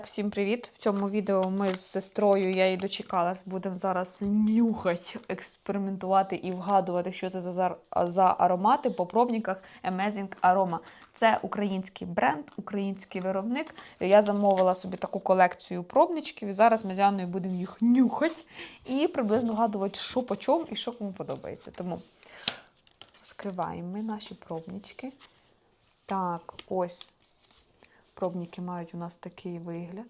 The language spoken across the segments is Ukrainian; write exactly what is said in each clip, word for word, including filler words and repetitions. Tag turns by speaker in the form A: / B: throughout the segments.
A: Всім привіт! В цьому відео ми з сестрою, я її дочекалась, будемо зараз нюхати, експериментувати і вгадувати, що це за, за аромати по пробниках Amazing Aroma. Це український бренд, український виробник. Я замовила собі таку колекцію пробничків і зараз ми з Яною будемо їх нюхати і приблизно вгадувати, що по чому і що кому подобається. Тому скриваємо ми наші пробнички. Так, ось. Пробники мають у нас такий вигляд.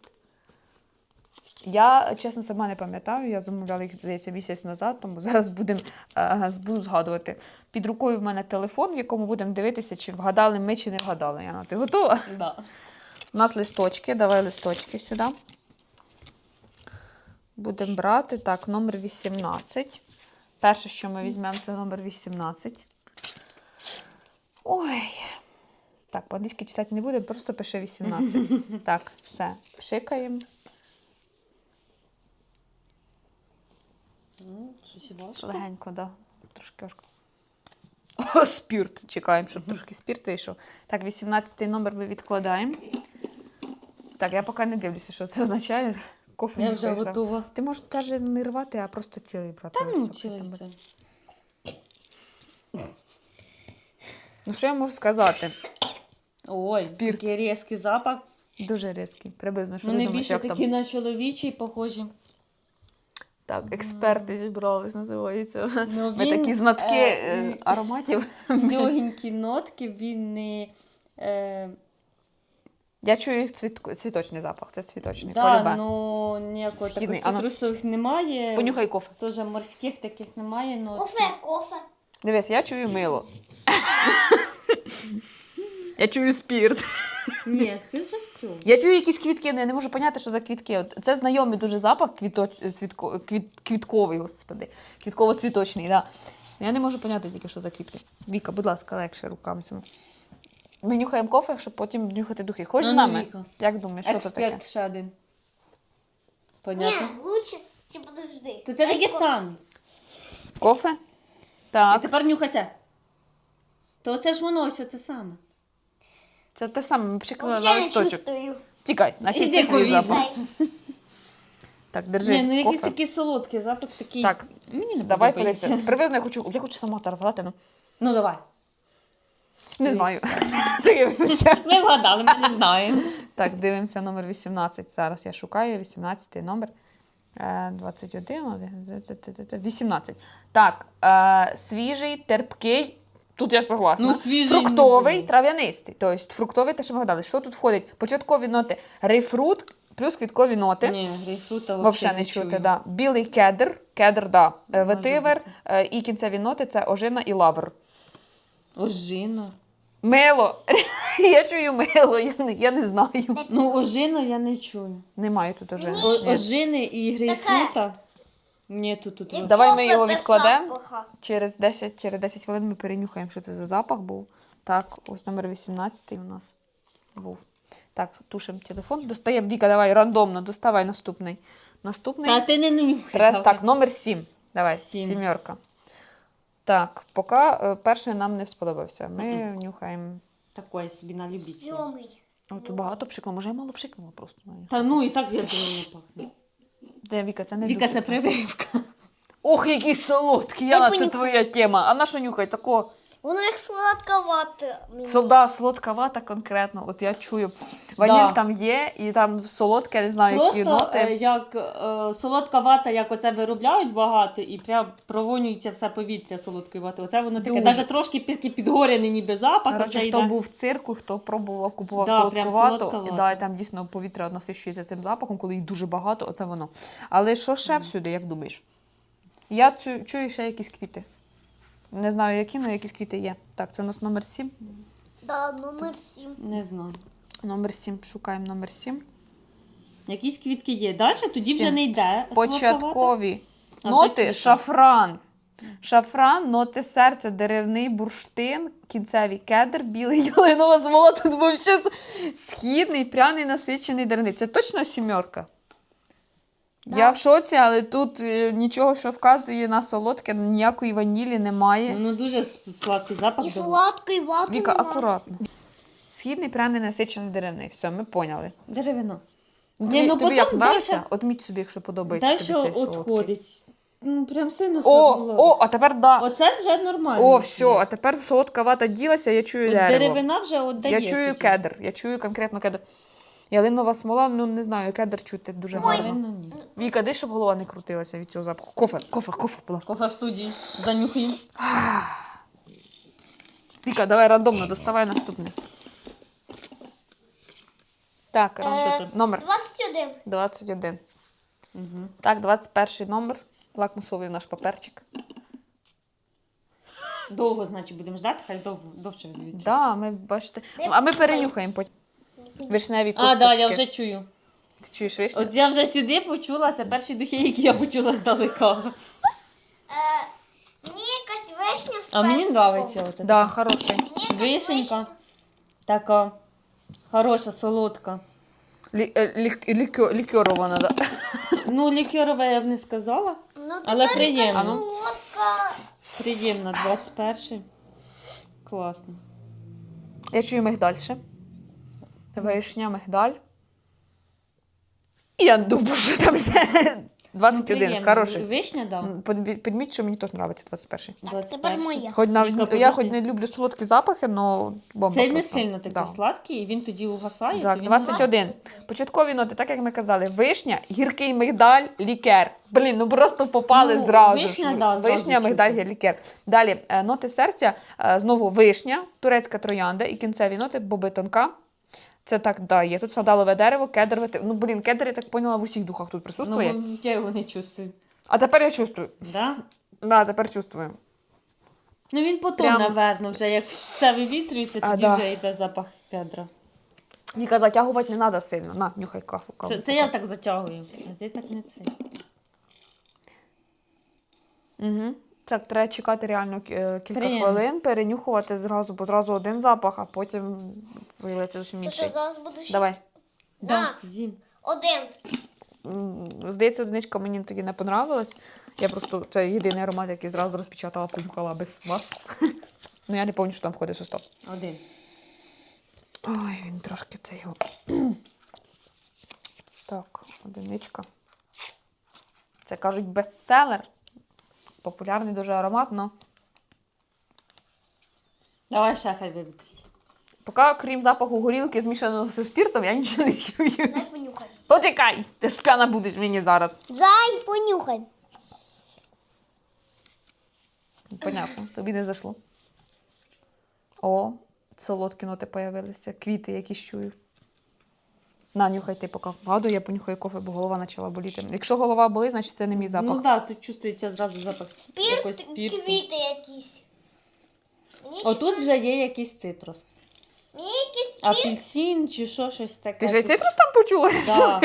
A: Я, чесно, сама не пам'ятаю, я замовляла їх, здається, місяць назад, тому зараз будемо, е, буду згадувати. Під рукою в мене телефон, в якому будемо дивитися, чи вгадали ми, чи не вгадали. Яна, ти готова?
B: Да.
A: У нас листочки, давай листочки сюди. Будемо брати, так, номер вісімнадцять. Перше, що ми візьмемо, це номер вісімнадцять. Ой... Так, по-англійськи читати не буде, просто пише вісімнадцять. Так, все, пшикаємо.
B: Щось важко.
A: Легенько, так. Да. Трошки важко. О, спірт. Чекаємо, щоб трошки спірт вийшов. Так, вісімнадцятий номер ми відкладаємо. Так, я поки не дивлюся, що це означає. Кофе
B: Я
A: не
B: вже
A: вийшла.
B: готова.
A: Ти можеш теж не рвати, а просто цілий брати.
B: Та ну,
A: листок.
B: цілий це.
A: Ну, що я можу сказати?
B: Ой,
A: Спірт.
B: такий різкий запах.
A: Дуже різкий. Приблизно, що
B: Вони
A: ти думаєш,
B: більше
A: як
B: такі
A: там?
B: на чоловічий похожі.
A: Так, експерти зібрались, називається.
B: Ну,
A: Ми
B: він,
A: такі знатки
B: е,
A: е, ароматів.
B: Легенькі нотки, він не... Е,
A: Я чую їх цвіт... цвіточний запах, це цвіточний.
B: да,
A: полюбе.
B: ну ніякого
A: Східний.
B: таких цитрусових немає.
A: Понюхай кофе.
B: Теж морських таких немає. Но...
C: Кофе, кофе.
A: Дивись, я чую мило. Я чую спірт.
B: Ні, спів це все.
A: Я чую якісь квітки, але я не можу поняти, що за квітки. От це знайомий дуже запах, квіточ... цвітко... квіт... квітковий, господи. Квітково-цвіточний, да. Я не можу поняти тільки, що за квітки. Віка, будь ласка, легше руками. Ми нюхаємо кофе, щоб потім нюхати духи. Хочеш з
B: Ну,
A: нами?
B: Віка.
A: Як думаєш, що це таке?
B: Експерт ще один. Понятно?
C: Ні, лучше, чи подожди.
B: То це таке саме.
A: Кофе?
B: А
A: Так.
B: тепер нюхай це. То це ж воно ось те саме.
A: Це те саме, ми пшикнули на
C: Взагалі не
A: листочок.
C: чувствую.
A: Тікай, значить
B: Іди
A: це твій
B: повітря.
A: запах. Так, держи
B: Ні, ну якийсь
A: кофе.
B: такий солодкий запах, такий.
A: Так,
B: Мені не
A: давай
B: подобається.
A: подивимося. Приблизно я хочу, я хочу сама таргувати, ну
B: Ну давай.
A: не знаю. Дивимося.
B: Ми вгадали, ми не знаємо.
A: Так, дивимося номер вісімнадцять. Зараз я шукаю вісімнадцятий номер. Е, двадцять один, вісімнадцять. Так, е, свіжий, терпкий. Тут я согласна.
B: Ну, свіжий,
A: фруктовий,
B: ну,
A: трав'янистий. Тобто фруктовий, те, що ми гадали. Що тут входить? Початкові ноти грейпфрут плюс квіткові ноти.
B: Ні, грейпфрута
A: Взагалі не чути, да. Білий кедр, кедр, да. Е, ветивер, е, і кінцеві ноти це ожина і лавр.
B: Ожина.
A: Мило. Я чую мило, я не, я не знаю.
B: Ну, ожина я не чую.
A: Немає тут ожини.
B: О,
A: Ні.
B: ожини і грейпфрута. Ні, тут тут.
C: Як
A: Давай ми
C: кофе
A: його
C: без
A: відкладемо.
C: запаха.
A: Через десять, через десять хвилин ми перенюхаємо, що це за запах був. Так, ось номер вісімнадцятий у нас був. Так, тушимо телефон. Достаємо, Віка, давай, рандомно, доставай наступний. Наступний.
B: Та ти не нюхай.
A: Тре-
B: давай.
A: Так, номер сім. Давай,
B: Сім.
A: сімерка. Так, поки е, перший нам не сподобався. Ми нюхаємо.
B: Такое собі на любителя.
C: Сьомий.
A: О, тут багато пшикнуло. Може, я мало пшикнула просто.
B: Та ну і так я думаю пахне.
A: Де, Віка, це не
B: Віка, це
A: душиться.
B: прививка.
A: Ох, який солодкий, Яна, це
C: понюхаю.
A: твоя тема. А на що нюхай? Тако,
C: Воно як сладковате.
A: солда, солодка вата конкретно. От я чую. Ваніль
B: Да.
A: там є, і там солодке, я не знаю, які
B: Просто
A: ноти.
B: е, як е, солодка вата, як оце виробляють багато, і прям провонюється все повітря солодкої вати. Оце воно таке,
A: Дуже.
B: навіть трошки під, підгорений ніби запах.
A: Коротше,
B: оце
A: хто
B: йде.
A: був в цирку, хто пробував, купував
B: Да,
A: солодку
B: прям
A: вату,
B: солодка
A: і,
B: вата.
A: да, і там дійсно повітря насищується цим запахом, коли їх дуже багато, оце воно. Але що ще всюди, як думаєш? Я чую, чую ще якісь квіти. Не знаю, які, але якісь квіти є. Так, це у нас номер сім.
C: Да, номер сім.
B: Не знаю.
A: Номер сім. Шукаємо номер сім.
B: Якісь квітки є. Далі тоді вже
A: Сім.
B: не йде. солодка вата.
A: Початкові
B: А вже
A: ноти
B: квіти.
A: шафран. Шафран, ноти серця, деревний бурштин, кінцевий кедр, білий ялинова смола. Тут взагалі східний, пряний, насичений деревний. Це точно сімерка?
C: Да.
A: Я в шоці, але тут е, нічого, що вказує на солодке, ніякої ванілі немає.
B: Воно дуже с- сладкий запах.
C: І
B: дає.
C: сладкої вати
A: Віка,
C: нема.
A: акуратно. Східний, пряний, насичений деревний. Все, ми поняли.
B: Деревина.
A: Тобі,
B: ну,
A: тобі
B: потім
A: як нравиться?
B: дальше-
A: Отміть собі, якщо подобається тобі
B: Далі
A: цей солодкий.
B: відходить. Ну, прям сильно
A: О,
B: солодко.
A: о, а тепер да.
B: Оце вже нормально.
A: О, все, а тепер солодка вата ділася, я чую
B: От
A: дерево.
B: деревина вже віддає.
A: Я чую
B: тоді.
A: кедр, я чую конкретно кедр. Ялинова смола, ну не знаю, кедр чути дуже гарно.
B: Малина ні.
A: Віка, ди, щоб голова не крутилася від цього запаху. Кофе, кофе, кофе, будь ласка.
B: Кофе в студії. Занюхаємо.
A: Віка, давай рандомно, доставай наступне. Так,
C: Е,
A: рандом. номер
C: двадцять один.
A: двадцять один.
B: Угу.
A: Так, двадцять перший номер. Лакмусовий наш паперчик.
B: Довго, значить, будемо ждати, хай дов... довше відвідується.
A: Да, ми бачите. А ми перенюхаємо потім. Вишневі
B: А,
A: косточки.
B: да, я вже чую.
A: Ти чуєш вишню?
B: От я вже сюди почула, це перші духи, які я почула здалека.
C: Е, мені якась вишня з
B: А мені
C: персиком.
B: подобається оце.
A: Да, хороший.
C: Мені якась
B: Вишенька. Така хороша, солодка.
A: Лі, е, лік, лікьо- лікьорована, да.
B: Ну, лікерова я б не сказала.
C: Ну,
B: Але
C: тепер
B: приємно.
C: яка солодка.
B: Приємна, двадцять перший. Класно.
A: Я чую мигдаль ще. Вишня, мигдаль. І я думаю, що там ще двадцять один,
B: Ну, приємно.
A: хороший.
B: Вишня, да.
A: М, подбі- Підміть, що мені теж подобається двадцять перший.
C: Так, тепер моя.
A: Хоч навіть,
B: Віка,
A: я
B: подожди.
A: хоч не люблю солодкі запахи, але бомба
B: Цей не
A: просто.
B: сильно такий
A: Да.
B: сладкий, і він тоді угасає.
A: Так,
B: то він
A: двадцять один. Початкові ноти, так як ми казали, вишня, гіркий мигдаль, лікер. Блін, ну просто попали
B: Ну,
A: зразу.
B: вишня,
A: ж.
B: да, зразу
A: Вишня,
B: чути.
A: мигдаль, лікер. Далі е, ноти серця, е, знову вишня, турецька троянда і кінцеві ноти боби тонка. Це так, да, є. Тут сандалове дерево, кедрове. те- Ну, блін, кедр, я так поняла, в усіх духах тут присутствує.
B: Ну, я його не чувствую.
A: А тепер я чувствую.
B: Да?
A: Да, тепер чувствую.
B: Ну він потім,
A: Прям-
B: напевно, вже як все вивітрюється,
A: А,
B: тоді
A: да.
B: вже йде запах кедра.
A: Віка, затягувати не треба сильно. На, нюхай кафу. каву.
B: Це, це я так затягую, а ти так не це.
A: Угу. Так, треба чекати реально е, кілька
B: Приємно.
A: хвилин, перенюхувати зразу, бо зразу один запах, а потім виявиться зовсім
C: Ти
A: інший.
C: що, зараз будеш?
A: Давай.
B: Да, зім.
C: Один.
A: М, Здається, одиничка мені тоді не понравилась. Я просто це єдиний аромат, який зразу розпечатала, понюхала без вас. Ну я не пам'ятаю, що там входить в состав.
B: Один.
A: Ой, він трошки це його. Так, одиничка. Це кажуть бестселер. Популярний дуже аромат, але
B: Давай ще хай вивітриться.
A: поки, крім запаху горілки, змішаного зі спіртом, я нічого не чую.
C: Дай понюхай.
A: Почекай, ти ж п'яна будеш мені зараз.
C: Дай понюхай.
A: Понятно, тобі не зайшло. О, солодкі ноти появилися, квіти якісь чую. На, нюхай ти поки. Вгадую, я понюхаю кофе, бо голова почала боліти. Якщо голова болить, значить це не мій запах.
B: Ну так, да, тут чувствується зразу запах якогось
C: Спірт,
B: спірту.
C: квіти якісь. Мені
B: Отут
C: щось-
B: вже є якийсь цитрус.
C: Мені якийсь спірт.
B: Апельсин чи що, щось таке.
A: Ти ж і
B: Тут-
A: цитрус там почула?
B: Да.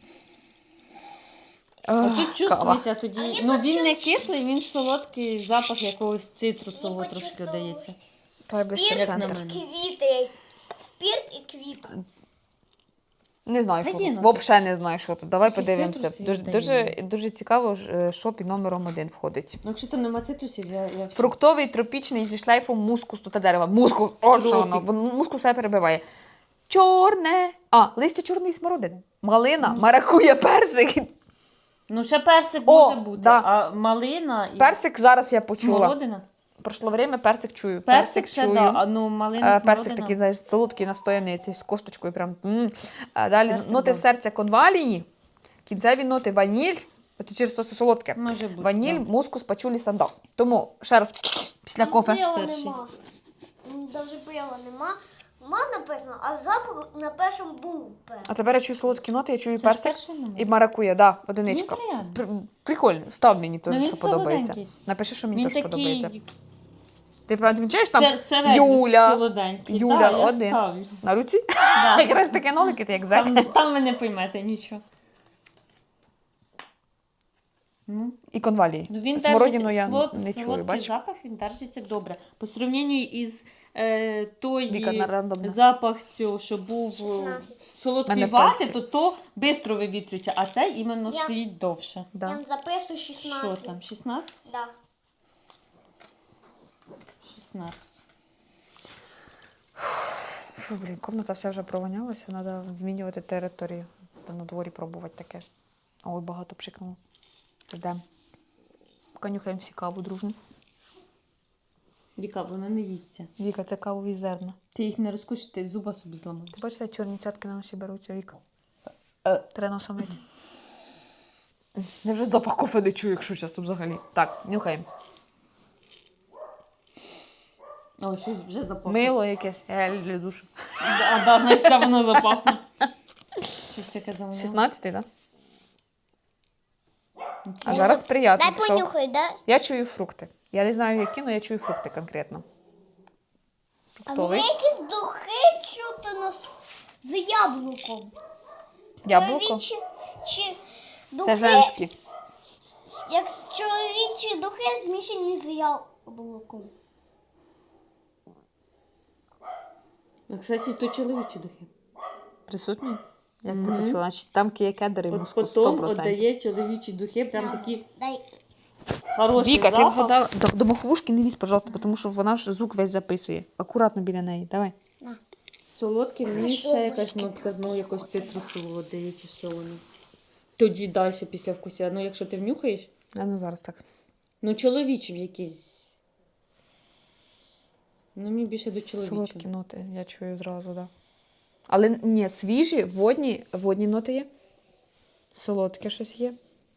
A: Ах,
B: А тут
A: кава.
B: чувствується тоді.
C: А мені
B: Ну він не
C: почув-
B: кислий, він солодкий запах якогось цитрусового
C: Мені
B: трошки
C: почувствовалось.
B: дається.
A: Давай ближче в
C: Спірт,
B: Як на
A: центр.
B: мене.
C: квіти. Спірт і квіти.
A: Не знаю,
B: Та
A: що
B: є,
A: тут.
B: ну,
A: Взагалі не знаю, що тут. Давай
B: якісь
A: подивимося.
B: цитруси
A: Дуже,
B: віддає.
A: дуже, дуже цікаво, ж, е, що під номером один входить.
B: Ну, якщо там нема цитрусів, я, я все.
A: Фруктовий, тропічний, зі шлейфом мускусу та дерева. Мускус, от що воно.
B: Тропік.
A: Бо мускус все перебиває. Чорне. А, листя чорної смородини. Малина, маракуя, персик.
B: Ну, ще персик
A: О,
B: може бути,
A: да.
B: а малина і
A: Персик зараз я почула.
B: смородина.
A: Пройшло время, персик чую.
B: Персик ще,
A: чую.
B: да, а ну малина,
A: Е,
B: смородина.
A: Персик такий, знаєш, солодкий, настояний, цей з косточкою. Прям. м. А далі
B: Персик,
A: ноти
B: да.
A: серця конвалії, кінцеві ноти ваніль. От через то це солодке.
B: Може бути,
A: Ваніль,
B: да.
A: мускус, пачулі, сандал. Тому ще раз після
C: Там
A: кофе.
C: пива
B: Перший.
C: нема. М, Даже пива нема. Ма написано, а запах на першому був перший.
A: А тепер я чую солодкі ноти, я чую
B: Це ж
A: персик
B: перший номер.
A: і маракуя, да, одиничка.
B: Ну, приємно.
A: Пр- Прикольно, став мені теж,
B: Ну, він
A: що подобається.
B: солоденький.
A: Напиши, що мені
B: Він
A: теж
B: такий
A: подобається. Ти помічаєш там
B: се- середньо
A: Юля,
B: солоденький.
A: Юля,
B: Да, я
A: один.
B: ставлю.
A: На руці?
B: Да.
A: Якраз таке нолики, ти як зек.
B: Там, там ви не поймете нічого. Ну,
A: І конвалії.
B: ну, він
A: Смородину
B: держить
A: я
B: слод,
A: не чую,
B: солодкий
A: бачиш?
B: запах, він держиться добре. По сравненню із е, той
A: Віка, на рандомно.
B: запах цього, що був е,
C: шістнадцять.
B: солодкий
A: Мене
B: вати,
A: пальці.
B: то то швидко вивітрюється, а цей іменно
C: Я-
B: стоїть довше.
A: Да.
C: Я записую
B: Що
C: шістнадцять.
B: там, шістнадцять?
C: Да.
B: шістнадцять.
A: Фу, блін, комната вся вже провонялася, треба змінювати територію. Та на дворі пробувати таке. Ой, багато пшикнуло. Йдемо. Конюхаємо всі каву дружно.
B: Віка, вона не їсться.
A: Віка, це кавові зерна.
B: Ти їх не розкушиш, ти зуба собі зламаєш.
A: Ти бачиш, чорні цятки на носі беруться, Віка?
B: Е.
A: Треба носом мити. Я вже запах кофе не чую, якщо чесно взагалі. Так, нюхаємо.
B: Ой, щось вже запахло.
A: Мило якесь, гель для душу.
B: А, да, значить, це воно запахло. Щось таке замовило.
A: шістнадцятий, так? А зараз приємно.
C: Дай понюхай, да?
A: Я чую фрукти. Я не знаю, які, але я чую фрукти конкретно.
C: А мені
A: Фруктовий.
C: якісь духи чути нас з яблуком.
A: Яблуко.
C: Чоловічі чи
A: Це
C: духи,
A: женські.
C: як чоловічі духи змішані з яблуком.
B: Ну, кстати, то чоловічі духи.
A: Присутні? Як ти
B: Мгм.
A: почула? Значить, там є кедр і
B: От
A: мускус
B: потім
A: сто процентів.
B: віддає чоловічі духи, прям такі
C: Дай.
B: хороші
A: Віка, ти
B: запах.
A: вгадала. До, до махвушки не лізь, пожалуйста, тому що вона ж звук весь записує. Акуратно біля неї. Давай.
B: Солодкі, мені ще якась нотка, знову якось цитрусового дає, чи що воно. Тоді далі після вкуся. Ну, якщо ти внюхаєш,
A: А ну зараз так.
B: ну чоловічі якісь. Ну, мені більше до чоловічого.
A: Солодкі ноти, я чую зразу, так. Да. Але ні, свіжі, водні, водні ноти є. Солодке щось є.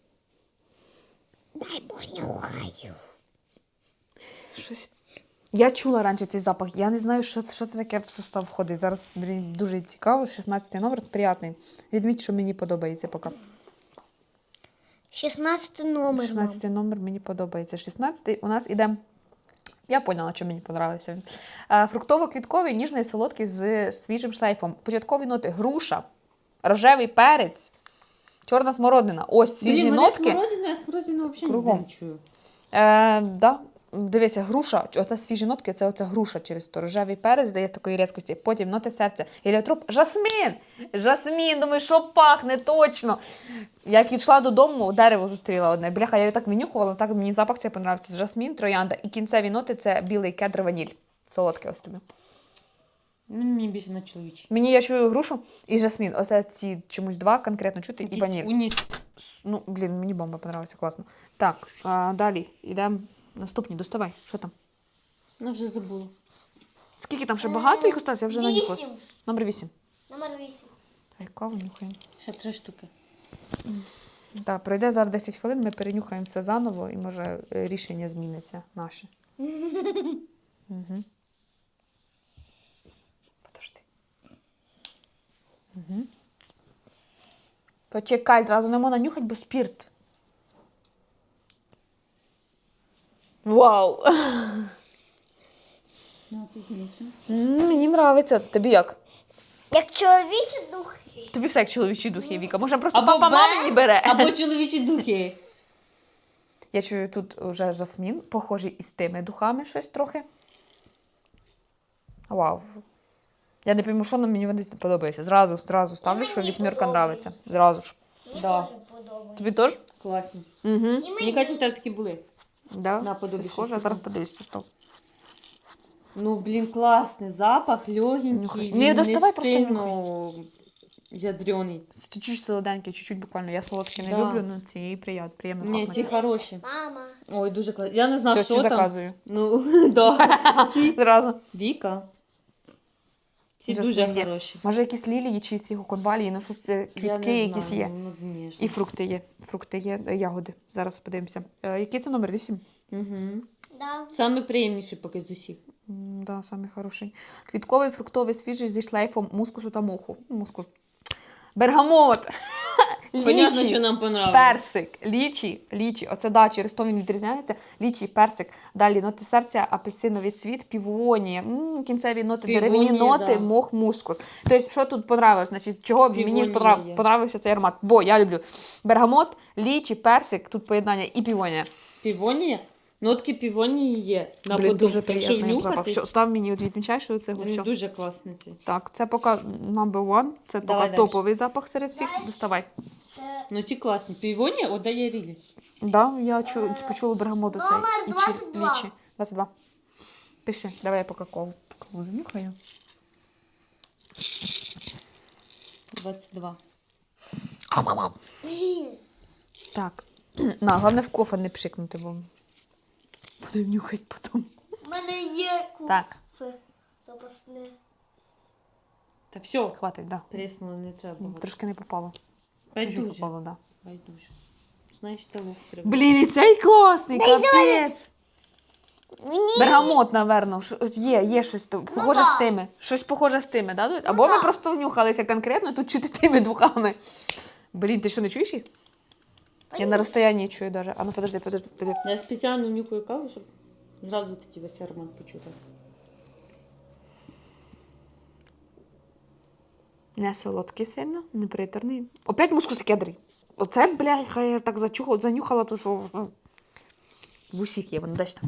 C: Дай понюхаю.
A: Щось. Я чула раніше цей запах. Я не знаю, що, що це таке в состав входить. Зараз мені дуже цікаво. шістнадцятий номер, приятний. Відміть, що мені подобається поки.
C: шістнадцятий номер.
A: шістнадцятий номер мені подобається. шістнадцятий у нас іде. Я поняла, що мені подобався він. Е, Фруктово-квітковий, ніжний, солодкий з свіжим шлейфом. Початкові ноти: груша, рожевий перець, чорна смородина. Ось свіжі
B: Блін, мене
A: нотки.
B: смородина, я смородину взагалі
A: Кругом.
B: не чую.
A: Е, да. Дивися, груша, оце свіжі нотки, це оця груша через то. Рожевий перець дає такої різкості. Потім ноти серця. Геліотроп. Жасмін! Жасмін! Думаю, що пахне точно. Як йшла додому, дерево зустріла одне. Бляха, я його так менюхувала, так мені запах цей подобається. Жасмін, троянда. І кінцеві ноти це білий кедр, ваніль. Солодке ось тобі.
B: Ну, мені більше на чоловічі.
A: Мені я чую грушу і жасмін. Оце ці чомусь два конкретно чути і
B: Якийсь
A: ваніль.
B: уніс.
A: С- Ну, блін, мені бомба подобається, класно. Так, а, далі йдемо. Наступні, доставай. Що там?
B: Ну, вже забула.
A: Скільки там ще багато їх осталось? Я вже нанюхалась.
C: Вісім.
A: Номер вісім.
C: Номер вісім.
A: Так, каву нюхаємо.
B: Ще три штуки.
A: Так, пройде зараз десять хвилин, ми перенюхаємо все заново і може е, рішення зміниться наше. Угу. Подожди. Угу. Почекай, зразу не можна нюхати, бо спірт. Вау!
B: Ну, пізніше.
A: М, Мені подобається. Тобі як?
C: Як чоловічі духи.
A: Тобі все як чоловічі духи, Віка. Може просто
B: Або
A: папа
B: бе,
A: мамі не бере.
B: Або чоловічі духи.
A: Я чую тут вже жасмін, похожий із тими духами щось трохи. Вау. Я не пойму, що на мені вони подобається. Зразу, зразу ставлю,
C: мені
A: що вісьмірка
C: подобається.
A: нравиться. Зразу ж.
C: Мені
B: Да.
C: теж подобається.
A: Тобі теж?
B: Класні.
A: Угу.
C: І
B: Мені
C: мені.
B: кажуть, в тебе такі були.
A: Да?
B: На, подобі
A: Це схоже,
B: щось
A: а зараз
B: таке.
A: подивлюся. Що.
B: Ну, блін, класний запах,
A: Нюхай.
B: легенький.
A: Не
B: Він
A: доставай,
B: не
A: просто
B: сильно ядрений.
A: Чуть-чуть солоденький, чуть-чуть буквально. Я солодкі не
B: Да.
A: люблю, але ці приємно, приємно
B: Ні,
A: пахнуть.
B: ті хороші.
C: Мама.
B: Ой, дуже класні. Я не знаю,
A: Все,
B: що
A: ці
B: там.
A: заказую.
B: Ну, да. Ці.
A: Зразу.
B: Віка. Ці
A: Жасмін
B: дуже
A: є.
B: хороші.
A: Може якісь лілії чи ці конвалії, ну щось е,
B: Я
A: квітки
B: не
A: якісь
B: знаю,
A: є.
B: Ну, ні ж.
A: І фрукти є. Фрукти є, е, ягоди. Зараз подивимося. Е, який це номер? Вісім?
B: Угу.
C: Да.
B: Саме приємніший поки з усіх.
A: М, Да, самий хороший. Квітковий, фруктовий, свіжий зі шлейфом мускусу та моху. Мускус. Бергамот.
B: Понятно, що
A: Лічі.
B: нам понравилось.
A: Персик. Лічі. Лічі. Оце да, через то він відрізняється. Лічі, персик. Далі ноти серця, апельсиновий цвіт, півонія. М, Кінцеві ноти,
B: Півонія,
A: деревні ноти,
B: да.
A: мох, мускус. Тобто, що тут понравилось? Значить, чого мені
B: Півонія
A: сподрав-
B: є.
A: понравився цей аромат? Бо я люблю бергамот, лічі, персик, тут поєднання і півонія.
B: Півонія? Нотки півонії є. На
A: Блін,
B: подоб-
A: дуже
B: Якщо
A: приємний запах.
B: внюхатись,
A: Все, став мені, от відмічай, що це
B: він
A: все.
B: дуже класний. цей.
A: Так, це поки number one, це поки
B: Давай далі.
A: топовий запах серед всіх. Доставай.
C: Це
B: Ну ті класні. Півонія отдає рілі.
A: Да, я чу, почула бергамоту цей.
C: Номер
A: і чи-
C: двадцять два.
A: лічі. двадцять два. Пиши, давай я поки кову, кову занюхаю.
B: двадцять два.
A: Так. На, головне в кофе не пшикнути, бо будемо нюхати потім.
C: У мене є
A: Так.
C: куфе запасне.
B: Та все,
A: Хватить, да.
B: тріснуло, не треба.
A: Трошки не попало. Чуть-чуть
B: Байдуже.
A: попало, да.
B: Байдуже. Знаєш, телух треба.
A: Блін, і цей класний, капець.
C: Мені
A: Бергамот, напевно. Ш- Є, є щось то- похоже
C: да.
A: з тими. Щось похоже з тими, да? Або ми
C: да.
A: просто внюхалися конкретно, тут чути тими духами. Блін, ти що, не чуєш їх? Я на розстоянні чую даже. А ну подожди, подожди, подожди.
B: Я спеціально нюхаю каву, щоб зразу тоді весь аромат почути.
A: Не солодкий сильно, не приторний. Опять мускус кедрий. Оце, блядь, хай я так зачухала, занюхала, то що ну, в усіх є, вони десь там.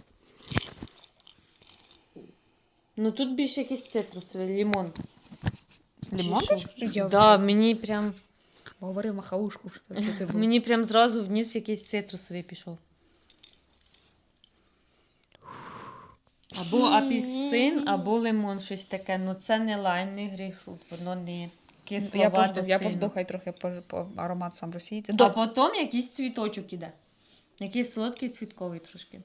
B: Ну тут більше якийсь цитрусовий, лимон.
A: Лимон
B: Чи
A: теж?
B: що?
A: Я
B: Да,
A: вже
B: мені прям,
A: говорив махаушку. Що це було.
B: мені прям зразу вниз якийсь цитрусовий пішов. Або апельсин, або лимон, щось таке. Ну це не лайм, не грейпфрут, воно не кисловато
A: Я пожду, я
B: сильно.
A: пожду, хай трохи по, по аромат сам розсіється.
B: А потім якийсь цвіточок іде. Якийсь солодкий цвітковий трошки.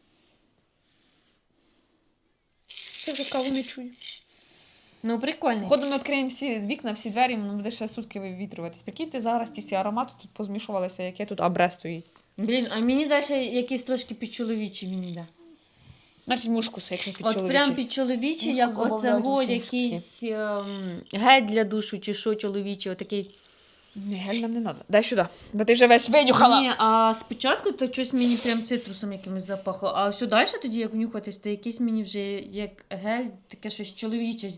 A: Це вже каву не чую.
B: Ну, прикольно.
A: Походу ми відкриємо всі вікна, всі двері, воно буде ще сутки вивітрюватись. Прикиньте, зараз ті всі аромати тут позмішувалися, яке тут абре стоїть.
B: Блін, а мені далі якийсь трошки підчоловічий мені да.
A: Значить, мушкус, як не під
B: От
A: чоловічий.
B: прям підчоловічий,
A: Мушкус
B: як
A: добавляють
B: оцего
A: усі
B: якийсь ем, гель для душу чи що чоловічий, отакий.
A: Ні, гель нам не треба. Дай сюди, бо ти вже весь винюхала.
B: Ні, а спочатку то щось мені прям цитрусом якимось запахло, а все далі тоді, як внюхатись, то якийсь мені вже як гель, таке щось чоловіче.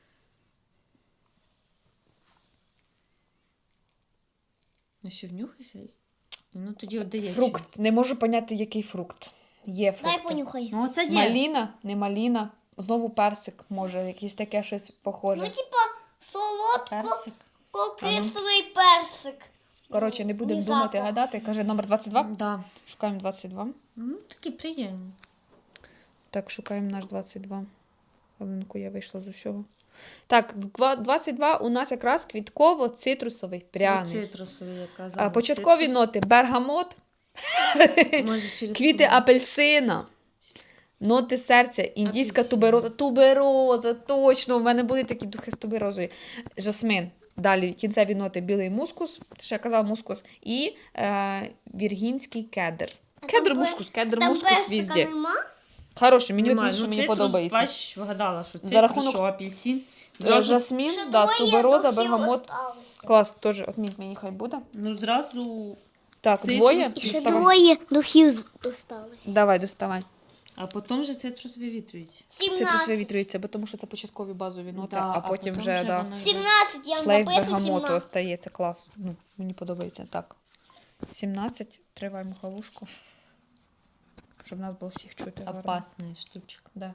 B: Ну що, внюхайся? Ну тоді отдає.
A: Фрукт. Не можу поняти, який фрукт. Є
C: дай
A: фрукти.
C: понюхай.
B: Ну оце є.
A: Маліна, не маліна. Знову персик, може, якийсь таке щось похоже.
C: Ну, типа, солодко
B: Персик.
C: кислий персик.
A: Коротше, не будемо
C: Ні
A: думати,
C: запах.
A: гадати. Каже, номер двадцять два.
B: Да.
A: Шукаємо двадцять два.
B: Ну, такі приємні.
A: Так, шукаємо наш двадцять два. Хвилинку, я вийшла з усього. Так, два- двадцять два у нас якраз квітково-цитрусовий пряний.
B: Ну, цитрусові, я казала.
A: А, початкові
B: Цитрус.
A: ноти бергамот,
B: Може, через
A: квіти
B: ту-
A: апельсина, ноти серця, індійська
B: Апельсин.
A: тубероза. Тубероза, точно, у мене були такі духи з туберозою. Жасмин. Далі кінцеві ноти білий мускус, ще я казала мускус, і е, віргінський кедр.
C: А
A: Кедр
C: там
A: мускус, кедр
C: Там
A: мускус
C: персика
A: везде.
C: нема?
A: Хороший, мені
B: Немає.
A: от, що
B: Ну,
A: мені
B: цитрус,
A: подобається.
B: Бач, вгадала, що цитрус,
A: За рахунок-
B: що апельсин.
A: Е,
B: Зразу,
A: Жасмін,
C: Ще
A: да,
C: двоє
A: тубероза,
C: духів
A: бергамот.
C: осталося.
A: Клас, теж отміть мені, хай буде.
B: ну, зразу,
A: Так,
B: Цитрус.
A: двоє.
C: І ще
A: Доставай.
C: двоє духів з- осталось.
A: Давай, доставай.
B: а потім вже цитрус вивітрюється.
A: Цитрус
C: сімнадцять.
A: вивітрюється, бо тому що це початкові базові ноти,
B: Да,
A: а потім вже, да,
B: воно йде.
C: сімнадцять, я вам
A: шлейф
C: записую
A: бергамоту
C: сімнадцять.
A: остається. Клас. Ну, мені подобається. Так. сімнадцять. Триваємо халушку. Щоб нас було всіх чути. гарно.
B: Опасна штучка.
A: Да.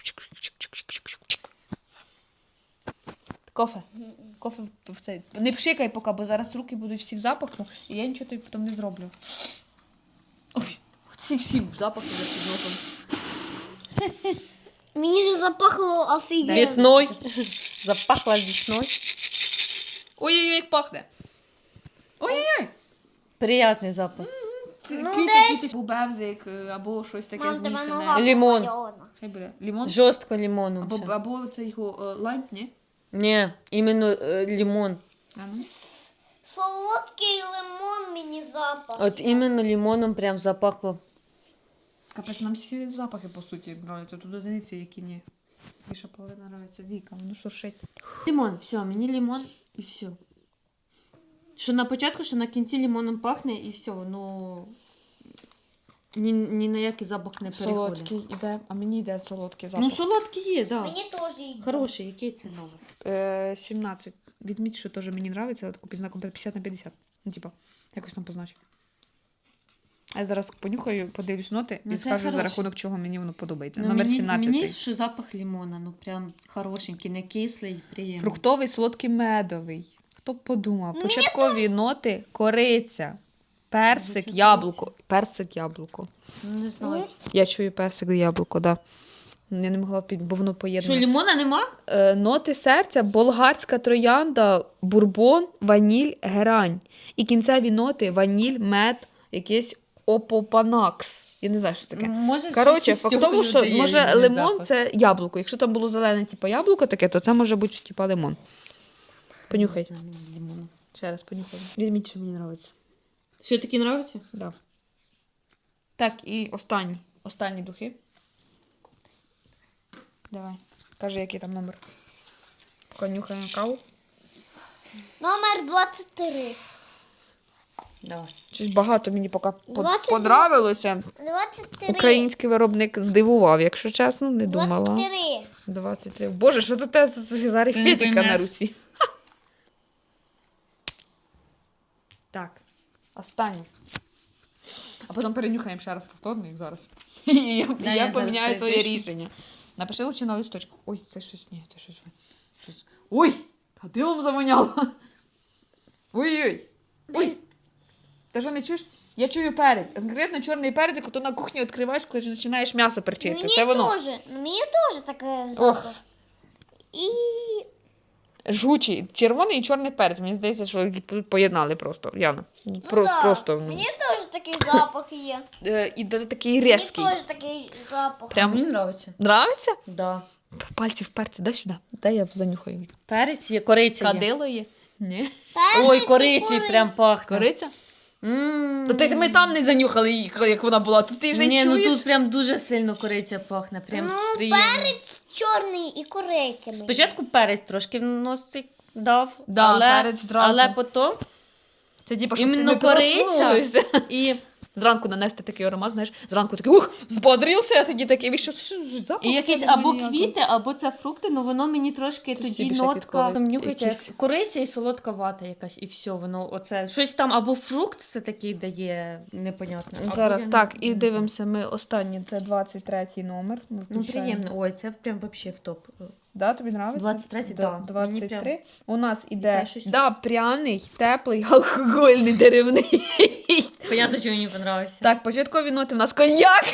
A: Кофе. Кофе в цей. Не пшикай поки, бо зараз руки будуть всі в запаху, і я нічого тобі потім не зроблю. Ой, ці всі в запаху за під носом.
C: Мені же запахло офігенно.
B: Весною. Запахла весною.
A: Ой-ой-ой, як пахне. Ой-ой-ой.
B: Приятний запах.
A: Ці
C: Ну,
A: квіти,
C: десь-
A: квіти, бубевзик е, або щось таке
C: Мам, тебе
A: змішане.
C: нога
B: Лімон.
C: помальована.
A: Хай буде. Лімон?
B: Жорстко лимоном.
A: Або,
B: ще.
A: або це його е, лайм, ні?
B: Ні, іменно е, лимон.
A: А ну.
C: Солодкий лимон мені запах.
B: От іменно лимоном прям запахло.
A: Капець, нам всі запахи, по суті, нравляться. Тут одиниці, які ні. Більша половина нравиться. Віка, воно шуршить.
B: Лимон, все, мені лимон і все. Що на початку, що на кінці лимоном пахне і все, ну ні, ні на який запах не переходить.
A: Солодкий іде, а мені йде солодкий запах.
B: Ну, солодкий є, так. Да.
C: Мені теж йде.
B: Хороший, який це номер?
A: Е, сімнадцять. Відміть, що теж мені нравиться, але таку під знаком п'ятдесят на п'ятдесят. Ну, типа, якось там позначу. А я зараз понюхаю, подивлюсь ноти
B: Ну,
A: і
B: це
A: скажу, за
B: хороше.
A: рахунок чого мені воно подобається.
B: Ну,
A: Номер
B: мені,
A: сімнадцять.
B: Мені що запах лимона, ну прям хорошенький, не кислий, приємний.
A: Фруктовий, солодкий, медовий. Хто б подумав? Початкові ноти, кориця, персик,
B: Звучить
A: яблуко. Персик, яблуко.
B: Ну, не знаю.
A: Я чую персик, яблуко, да. Я не могла під, бо воно
B: Що,
A: поєднане.
B: лімона нема?
A: Е, ноти серця, болгарська троянда, бурбон, ваніль, герань. І кінцеві ноти ваніль, мед, якийсь опопанакс. Я не знаю, що це таке.
B: Може,
A: Коротше,
B: щось із
A: факт в
B: цього
A: тому, що
B: додає
A: може
B: різний
A: лимон
B: запах.
A: це яблуко. Якщо там було зелене, типу яблуко таке, то це може бути типу лимон. Понюхай.
B: Не знаю, лимону.
A: Ще раз понюхай. Візьміть, що мені подобається.
B: Що тобі подобається?
A: Да. Так, і останні. Останні духи. Давай. Кажи, який там номер. Поки нюхаємо каву.
C: Номер двадцять три.
B: Давай.
A: Щось багато мені поки по-
C: двадцять два.
A: подобалося.
C: двадцять три.
A: Український виробник здивував, якщо чесно, не думала.
C: двадцять три.
A: двадцять три. Боже, що це те з арифметика на
B: поймеш.
A: руці? Ха! Так, останнє. А потім перенюхаємо ще раз повторно, як зараз. І я,
B: Да,
A: я
B: я
A: поміняю
B: зараз
A: своє
B: пишу.
A: рішення. Напиши лучше на листочку. Ой, це щось, ні, це щось. щось. Ой, кадилом завоняло. Ой-ой. Ой. Ти що не чуєш? Я чую перець. Конкретно чорний перець, як ти на кухні відкриваєш, коли починаєш м'ясо перчити.
C: Мені
A: Це воно.
C: теж. Мені теж таке запах. І
A: Жгучий. Червоний і чорний перець. Мені здається, що їх поєднали просто. Яна. Про,
C: ну, да.
A: Просто. ну.
C: Мені теж такий запах є.
A: Е, І да- такий
C: Мені
A: різкий.
C: теж такий запах.
A: Прям
B: Мені подобається.
A: нравиться?
B: Да.
A: Пальці в перці, дай сюди. Дай я занюхаю.
B: Перець є, кориця є.
A: Кадило є? Ні.
C: Перець
B: Ой,
C: і
B: кориці
C: кури-
B: прям пахне.
A: Кориця?
B: М.
A: То ти, ми там не занюхали її, як вона була. Тут ти вже
B: Ні,
A: чуєш?
B: ну тут прям дуже сильно кориця пахне. Прям
C: Ну,
B: приємно.
C: перець чорний і кориця.
B: Спочатку перець трошки в носик дав,
A: Да,
B: але,
A: перець зразу.
B: але потім
A: Це типу, щоб ти
B: іменно
A: не
B: кориця
A: проснулися.
B: і,
A: Зранку нанести такий аромат, знаєш, зранку такий, ух, збодрився, а тоді такий, вийшов, що ж, запах
B: і якісь
A: взагалі
B: або
A: ніякий.
B: квіти, або це фрукти, ну воно мені трошки
A: Тут всі
B: тоді
A: більше
B: нотка.
A: квіткові.
B: Там нюхайте,
A: Якісь-
B: як кориця і солодка вата якась, і все, воно оце. Щось там або фрукт це такий дає непонятно. або
A: Зараз
B: я не-
A: так,
B: не
A: і
B: знаю.
A: дивимося ми останній, це двадцять третій номер. Ми
B: Ну,
A: включаємо.
B: приємно. Ой, це прям вообще в топ.
A: Да, тобі нравиться?
B: двадцять третій,
A: Да,
B: да. Мені
A: двадцять три.
B: прям-
A: У нас іде
B: Іде щось.
A: да, пряний, теплий, алкогольний, деревний.
B: Понятно, що мені подобається.
A: Так, початкові ноти в нас коньяк.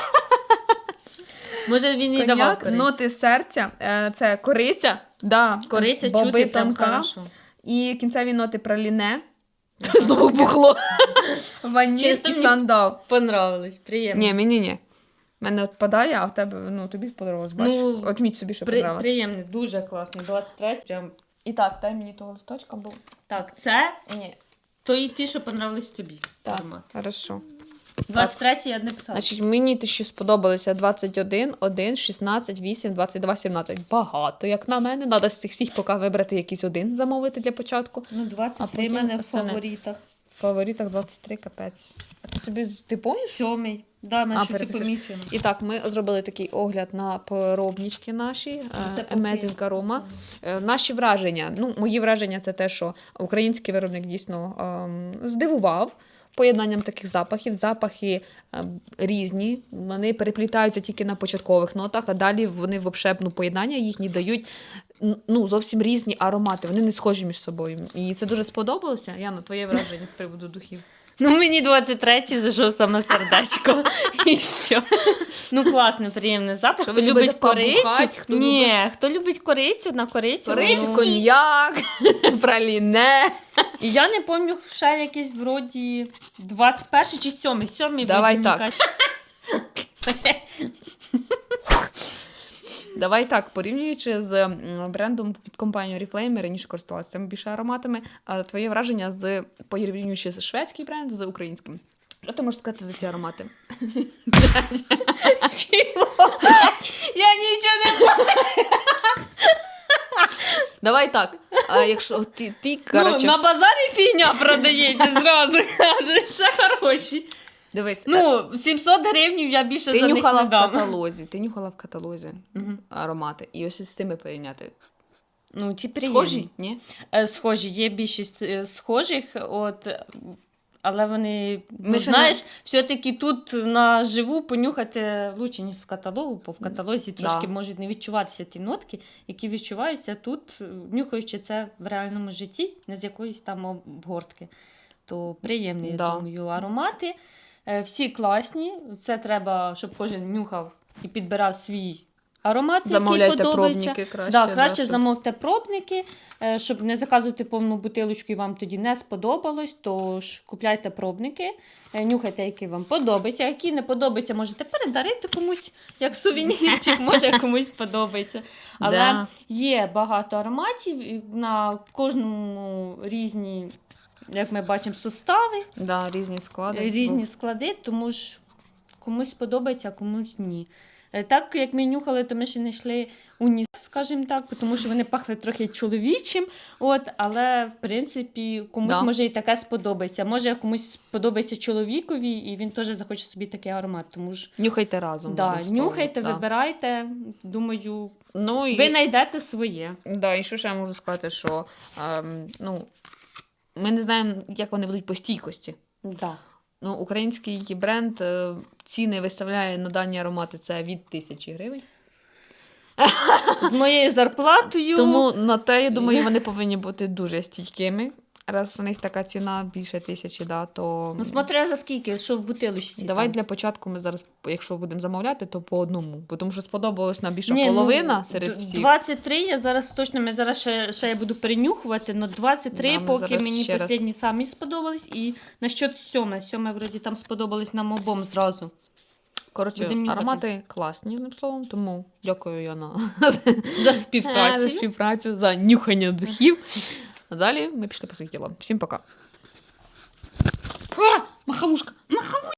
B: Може він і давав
A: Коньяк,
B: корицю.
A: ноти серця, е, це кориця, да,
B: Кориця
A: боби
B: чути прям
A: тонка.
B: хорошо.
A: І кінцеві ноти праліне. Знову бухло. Ваніль
B: Чисто
A: і
B: мені-
A: сандал.
B: Понравилось, приємно.
A: Ні, мені ні. Мене відпадає, а в тебе, ну, тобі сподобалось, бачиш?
B: Ну,
A: Отміть собі, що
B: При,
A: подобалось.
B: приємний, дуже класний. двадцять третій прям.
A: І так, дай мені того листочка, бо...
B: Так, це
A: Ні.
B: то і ті, що понравились тобі.
A: Так,
B: Аромат.
A: хорошо.
B: двадцять третій я не писала.
A: Значить, мені те, що сподобалося двадцять один, один, шістнадцять, вісім, двадцять два, сімнадцять. Багато, як на мене. Треба з цих всіх поки вибрати якийсь один, замовити для початку.
B: Ну, двадцять
A: А
B: три
A: потім
B: в мене в
A: остане.
B: фаворитах.
A: В фаворитах двадцять три, капець. А ти собі, ти помніш?
B: Сьомий. Да, на
A: А,
B: щось і
A: переписуєш.
B: помічено.
A: І так, ми зробили такий огляд на поробнічки наші,
B: Це
A: е,
B: поки
A: Amazing Aroma.
B: саме.
A: Е, Наші враження. Ну, мої враження це те, що український виробник дійсно ем, здивував поєднанням таких запахів. Запахи ем, різні, вони переплітаються тільки на початкових нотах, а далі вони взагалі, ну, поєднання їхні дають н- ну, зовсім різні аромати. Вони не схожі між собою. І це дуже сподобалося. Яна, твоє враження з приводу духів?
B: Ну, мені двадцять третій зайшов саме сердечко. І все. Ну, класний, приємний запах.
A: Що
B: Хто
A: ви
B: любить
A: любите
B: корицю?
A: побухать, хто
B: Ні, хто любить корицю, на корицю.
A: Корицю,
B: ну,
A: коньяк, праліне.
B: І я не пам'ятаю, ще якийсь вроді двадцять перший чи сьомий. Сьомий
A: Давай
B: вроді,
A: так.
B: мені кажуть.
A: Давай так, порівнюючи з м, брендом від компанії Oriflame, ми раніше користувалися цими більше ароматами, а твоє враження з порівнюючи з шведський бренд з українським. Що ти можеш сказати за ці аромати? Я нічого не бачу. Давай так. А якщо ти, ти
B: Ну,
A: коротше,
B: на базарі фігня продається зразу. Кажуть, це хороші.
A: дивись,
B: Ну, сімсот гривень я більше
A: ти
B: за них
A: нюхала
B: не
A: в
B: дам.
A: каталозі, ти нюхала в каталозі
B: Мгм.
A: аромати. І ось з цими порівняти.
B: Ну, ті
A: Схожі? Ні?
B: Е, Схожі, є більшість е, схожих, от, е, але вони, ну,
A: Ми ще
B: знаєш, все-таки тут наживу понюхати лучше, ніж з каталогу, бо в каталозі
A: Да.
B: трошки можуть не відчуватися ті нотки, які відчуваються тут, е, нюхаючи це в реальному житті, не з якоїсь там обгортки. То приємні,
A: Да.
B: я думаю, аромати. Е, Всі класні. Це треба, щоб кожен нюхав і підбирав свій аромат,
A: Замовляйте
B: який подобається.
A: пробники краще.
B: Да, краще
A: щоб-
B: замовте пробники, е, щоб не заказувати повну бутилочку і вам тоді не сподобалось, тож купляйте пробники, е, нюхайте, які вам подобаються, які не подобаються, можете передарити комусь, як сувенірчик, може комусь подобається. Але
A: Да.
B: є багато ароматів, і на кожному різні, як ми бачимо, сустави,
A: Да, різні склади.
B: різні склади, тому ж комусь подобається, а комусь ні. Е, Так, як ми нюхали, то ми ще не йшли уніс, скажімо так, тому що вони пахли трохи чоловічим, от, але, в принципі, комусь
A: Да.
B: може і таке сподобається. Може, комусь сподобається чоловікові, і він теж захоче собі такий аромат. Тому ж,
A: Нюхайте разом.
B: да,
A: одним словом,
B: нюхайте,
A: да.
B: вибирайте, думаю,
A: Ну, і...
B: ви знайдете своє.
A: Да, і що ще я можу сказати, що ем, ну, ми не знаємо, як вони будуть по стійкості.
B: Да.
A: Ну, український бренд е, ціни виставляє на дані аромати це від тисячі гривень.
B: З моєю зарплатою.
A: Тому на те, я думаю, вони повинні бути дуже стійкими. Раз у них така ціна більше тисячі, да, то
B: Ну, смотря за скільки, що в бутилочці.
A: давай
B: там.
A: для початку ми зараз, якщо будемо замовляти, то по одному. Бо тому що сподобалось нам більша
B: Ні,
A: половина
B: ну,
A: серед
B: д-
A: всіх.
B: двадцять три, я зараз точно, ми зараз ще, ще я буду перенюхувати, але двадцять три,
A: Да, ми
B: поки
A: зараз
B: мені
A: ще раз-
B: останні самі сподобались. І насчет сьоме, сьоме, вроді, там сподобались нам обом зразу.
A: Коротше,
B: будемо нюхати.
A: аромати класні, одним словом, тому дякую Яна
B: За
A: за
B: співпрацю.
A: співпрацю, за нюхання духів. А далі ми пішли по своїх ділам. Всім пока.
B: А, махавушка! Махавушка!